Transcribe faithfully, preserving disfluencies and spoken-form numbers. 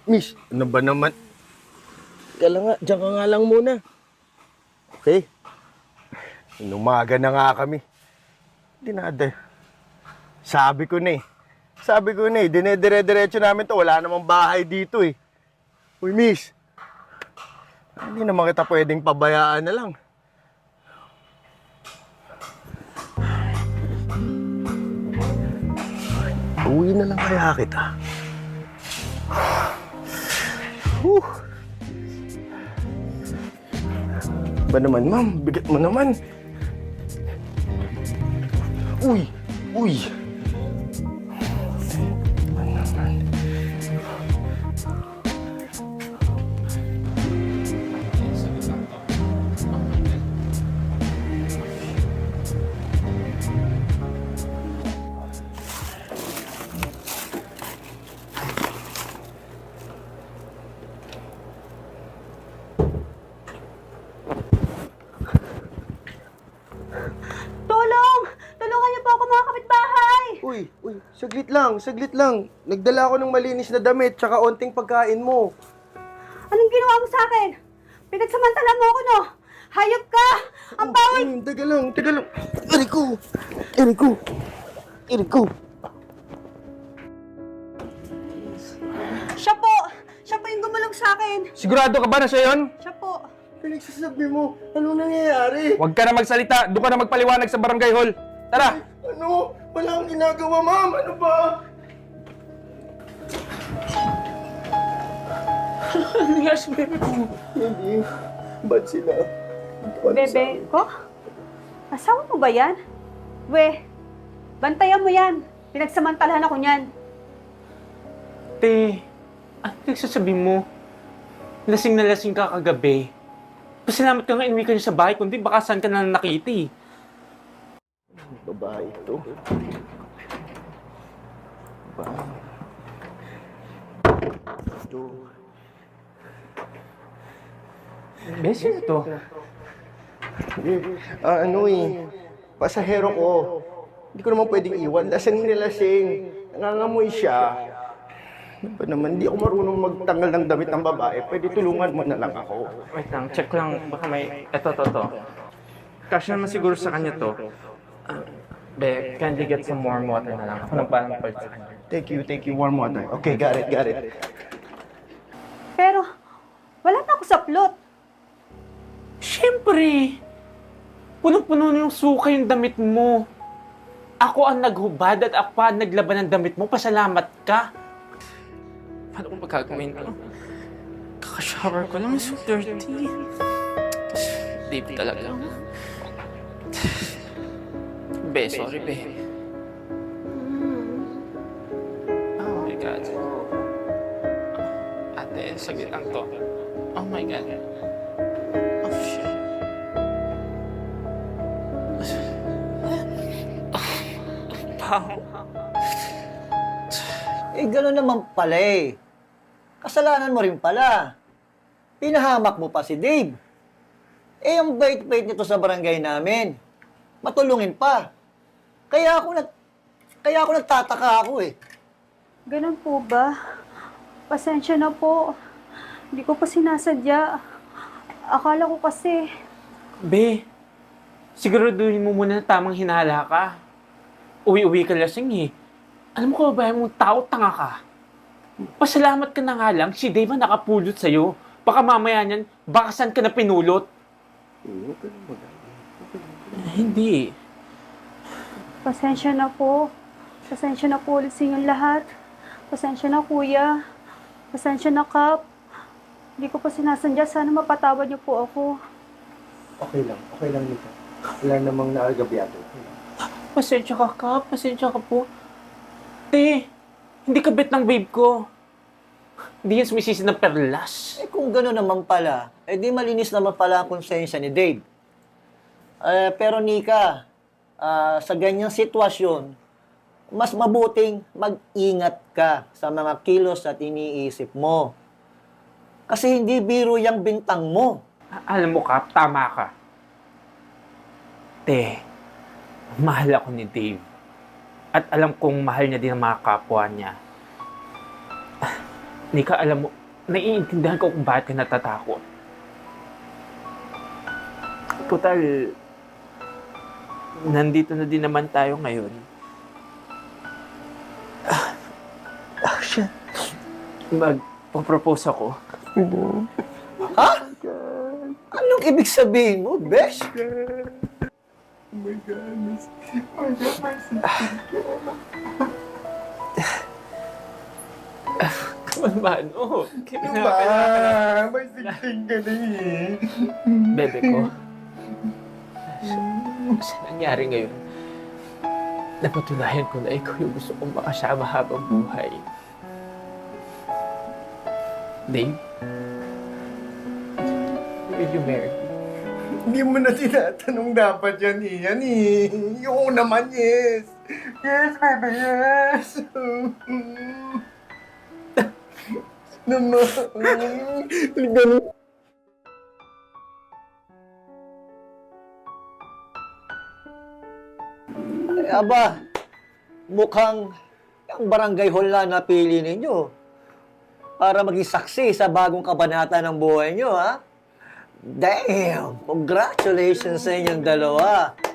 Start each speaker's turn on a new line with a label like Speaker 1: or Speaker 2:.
Speaker 1: Miss, ano ba naman? Kala nga, diyan ka nga lang muna. Okay? Inumaga na nga kami. Dinada. Sabi ko na eh. Sabi ko na eh, dinedire-diretso namin to. Wala namang bahay dito eh. Uy, miss. Hindi naman kita pwedeng pabayaan na lang. Uwi na lang kaya kita. Whew. Ba naman, ma'am? Bigat mo naman. Uy! Uy! Ba naman?
Speaker 2: Tulong! Tulungan niyo po ako mga kapitbahay!
Speaker 1: Uy! Uy! Saglit lang! Saglit lang! Nagdala ako ng malinis na damit tsaka onting pagkain mo.
Speaker 2: Anong ginawa mo sa akin? Pinagsamantala mo ako, no? Hayop ka! Ang bawal!
Speaker 1: Hmm, taga lang! Taga lang! Eriko! Eriko! Eriko!
Speaker 2: Siya po! Siya po yung gumulong sa akin!
Speaker 3: Sigurado ka ba na siya yun?
Speaker 2: Siya po!
Speaker 1: Pinagsasabi mo, anong nangyayari?
Speaker 3: Huwag ka na magsalita. Doon ka na magpaliwanag sa barangay hall. Tara!
Speaker 1: Ano? Wala akong ginagawa, ma'am! Ano ba?
Speaker 3: Ano nangyari sa bebe ko?
Speaker 1: Hindi. Ba't sila?
Speaker 2: Bebe ko? Asawa mo ba yan? We, bantayan mo yan. Pinagsamantalahan ako niyan.
Speaker 4: Te, ano nagsasabi mo? Lasing na lasing ka kagabi. Pasalamat ka nga inuwi ka niya sa bahay, kundi baka saan ka na nakiti.
Speaker 1: Babae ito. Babae. Ito.
Speaker 4: Beses ito.
Speaker 1: Ah, ano eh. Pasahero ko. Hindi ko naman pwedeng iwan. Lasing na lasing. Nangangamoy siya. Ano ba naman? Hindi ako marunong magtanggal ng damit ng babae. Pwede tulungan mo na lang ako.
Speaker 4: Wait lang, check lang. Baka may... Eto, to, to. Cash naman siguro sa kanya to. Ah, be, kindly get some warm water na lang. Ako nang parang palt sa kanya.
Speaker 1: Thank you, thank you. Warm water. Okay, got it, got it.
Speaker 2: Pero, wala na ako sa plot.
Speaker 4: Siyempre! Punong-puno na yung suka yung damit mo. Ako ang naghubad at ako pa ang naglaban ng damit mo. Pasalamat ka. Paano kung magkagawin ko? Kakashower ko lang, so dirty. Deep talaga. Be, sorry, be. Oh my God. Ate, saglit lang to. Oh my God. Oh, shit. Pao.
Speaker 5: Eh, gano'n naman pala eh. Kasalanan mo rin pala. Pinahamak mo pa si Dave. Eh, ang bait-bait nito sa barangay namin. Matulungin pa. Kaya ako nag... Kaya ako nagtataka ako eh.
Speaker 2: Ganun po ba? Pasensya na po. Hindi ko pa sinasadya. Akala ko kasi...
Speaker 4: Be, siguraduhin mo muna na tamang hinala ka. Uwi-uwi ka lasing eh. Alam mo ko ba mong tao, tanga ka? Pasalamat ka na nga lang, si Dave ang nakapulot sa'yo. Baka mamaya niyan, baka saan ka na pinulot. Eh, hindi.
Speaker 2: Pasensya na po. Pasensya na po ulit sa inyong lahat. Pasensya na kuya. Pasensya na Kap. Hindi ko pa sinasandya. Sana mapatawad niyo po ako.
Speaker 1: Okay lang, okay lang nito. Wala namang naagabyado.
Speaker 4: Pasensya ka ka, pasensya ka po. Te, hindi ka bet ng babe ko. Hindi yan sumisisi ng perlas.
Speaker 5: Eh, kung gano'n naman pala, eh di malinis naman pala ang konsensya ni Dave. Eh, pero Nika, ah, sa ganyang sitwasyon, mas mabuting mag-ingat ka sa mga kilos at iniisip mo. Kasi hindi biro yung bintang mo.
Speaker 4: A- Alam mo ka, tama ka. Te, mahal ako ni Dave. At alam kong mahal niya din ang mga kapwa niya. Nika, alam mo, naiintindihan ko kung bakit ka natatakot. Total, nandito na din naman tayo ngayon. Ah, ah, shit. Magpo-propose ako.
Speaker 5: Ha? Anong ibig sabihin mo, Besh?
Speaker 4: Mano,
Speaker 1: Diba? May sing-sing ka na eh.
Speaker 4: Bebe ko. Sa nangyari ngayon, napatunayan ko na ikaw yung gusto kong makasama habang buhay. Dave, will you marry me?
Speaker 1: Hindi mo na tinatanong dapat yan eh. Yan eh. Yung naman, yes. Yes, baby, yes. Naman. Ganun.
Speaker 5: Eh, aba, mukhang ang barangay hall na napili ninyo para maging saksi sa bagong kabanata ng buhay nyo, ha? Damn! Congratulations sa inyong dalawa.